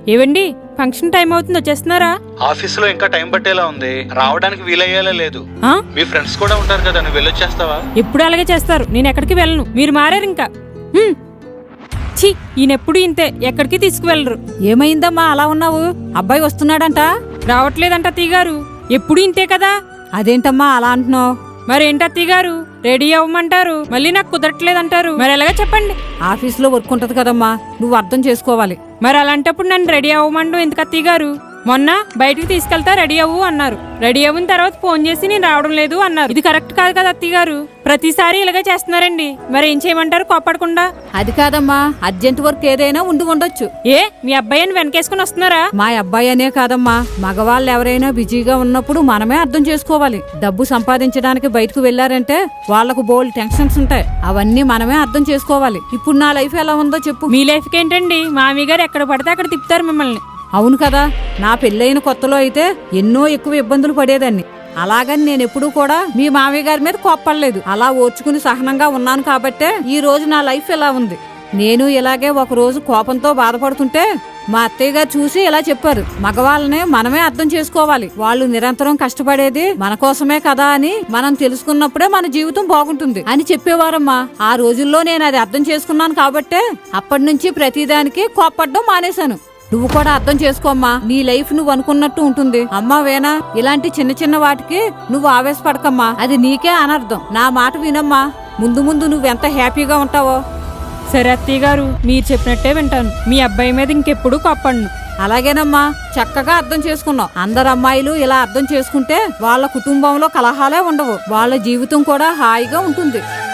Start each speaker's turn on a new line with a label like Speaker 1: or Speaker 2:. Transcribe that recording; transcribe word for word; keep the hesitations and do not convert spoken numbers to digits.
Speaker 1: ఏవండి function time అవుతుంది, వచ్చేస్తున్నారా?
Speaker 2: ఆఫీసులో ఇంకా టైం పట్టేలా ఉంది, రావడానికి వీలయ్యేలా లేదు.
Speaker 1: ఆ?
Speaker 2: మీ ఫ్రెండ్స్ కూడా ఉంటారు కదా, నువ్వు వెళ్ళొచ్చేస్తావా?
Speaker 1: ఎప్పుడు అలాగే చేస్తారు, నేను ఎక్కడికి వెళ్ళను. మీరు మారారు ఇంకా. హ్మ్. ఛీ, ఈయనెప్పుడు ఇంతే, ఎక్కడికి తీసుకువెళ్ళరు.
Speaker 3: ఏమైందమ్మా అలా ఉన్నావు? అబ్బాయి వస్తున్నాడంట?
Speaker 1: రావట్లేదంట అత్తయ్య గారు, ఎప్పుడు ఇంతే కదా.
Speaker 3: అదేంటమ్మా అలా అంటున్నావు?
Speaker 1: మరేంటి అత్తయ్య గారు, రెడీ అవ్వమంటారు, మళ్ళీ నాకు కుదరట్లేదంటారు. మరి ఎలాగా చెప్పండి?
Speaker 3: ఆఫీస్లో వర్క్ ఉంటది కదమ్మా, నువ్వు అర్థం చేసుకోవాలి.
Speaker 1: మరి అలాంటప్పుడు నన్ను రెడీ అవ్వమండు ఎందుకు అత్తయ్య గారు? మొన్న బయటికి తీసుకెళ్తా రెడీ అవ్వు అన్నారు. రెడీ అవ్విన తర్వాత ఫోన్ చేసి నేను రావడం లేదు అన్నారు. ఇది కరెక్ట్ కాదు కదా అత్తయ్య గారు, ప్రతిసారి ఇలాగే చేస్తున్నారండి. మరి ఏం చేయమంటారు కోపడకుండా?
Speaker 3: అది కాదమ్మా, అర్జెంట్ వర్క్ ఏదైనా ఉండి ఉండొచ్చు.
Speaker 1: ఏ మీ అబ్బాయిని వెనకేసుకుని వస్తున్నారా?
Speaker 3: మా అబ్బాయి అనే కాదమ్మా, మగవాళ్ళు ఎవరైనా బిజీగా ఉన్నప్పుడు మనమే అర్థం చేసుకోవాలి. డబ్బు సంపాదించడానికి బయటకు వెళ్లారంటే వాళ్లకు బోల్డ్ టెన్షన్స్ ఉంటాయి, అవన్నీ మనమే అర్థం చేసుకోవాలి. ఇప్పుడు నా లైఫ్ ఎలా ఉందో చెప్పు.
Speaker 1: మీ లైఫ్ ఏంటండి, మామీ గారు ఎక్కడ పడితే అక్కడ తిప్పుతారు మిమ్మల్ని.
Speaker 3: అవును కదా, నా పెళ్ళైన కొత్తలో అయితే ఎన్నో ఎక్కువ ఇబ్బందులు పడేదాన్ని. అలాగని నేను ఎప్పుడూ కూడా మీ మామయ్య గారి మీద కోప్పడలేదు. అలా ఓర్చుకుని సహనంగా ఉన్నాను కాబట్టే ఈ రోజు నా లైఫ్ ఇలా ఉంది. నేను ఇలాగే ఒక రోజు కోపంతో బాధపడుతుంటే మా అత్తయ్య గారు చూసి ఇలా చెప్పారు, మగవాళ్ళని మనమే అర్థం చేసుకోవాలి, వాళ్ళు నిరంతరం కష్టపడేది మన కోసమే కదా అని మనం తెలుసుకున్నప్పుడే మన జీవితం బాగుంటుంది అని చెప్పేవారమ్మా. ఆ రోజుల్లో నేను అది అర్థం చేసుకున్నాను కాబట్టే అప్పటి నుంచి ప్రతిదానికి కోప్పడడం మానేశాను. నువ్వు కూడా అర్థం చేసుకోమ్మా, నీ లైఫ్ నువ్వు అనుకున్నట్టు ఉంటుంది. అమ్మా వేనా, ఇలాంటి చిన్న చిన్న వాటికి నువ్వు ఆవేశపడకమ్మా, అది నీకే అనర్థం. నా మాట వినమ్మా, ముందు ముందు నువ్వెంత హ్యాపీగా ఉంటావో.
Speaker 1: సరే అత్తయ్య గారు, మీరు చెప్పినట్టే వింటాను. మీ అబ్బాయి మీద ఇంకెప్పుడు కోప్పడను.
Speaker 3: అలాగేనమ్మా, చక్కగా అర్థం చేసుకున్నావు. అందరు అమ్మాయిలు ఇలా అర్థం చేసుకుంటే వాళ్ళ కుటుంబంలో కలహాలే ఉండవు, వాళ్ళ జీవితం కూడా హాయిగా ఉంటుంది.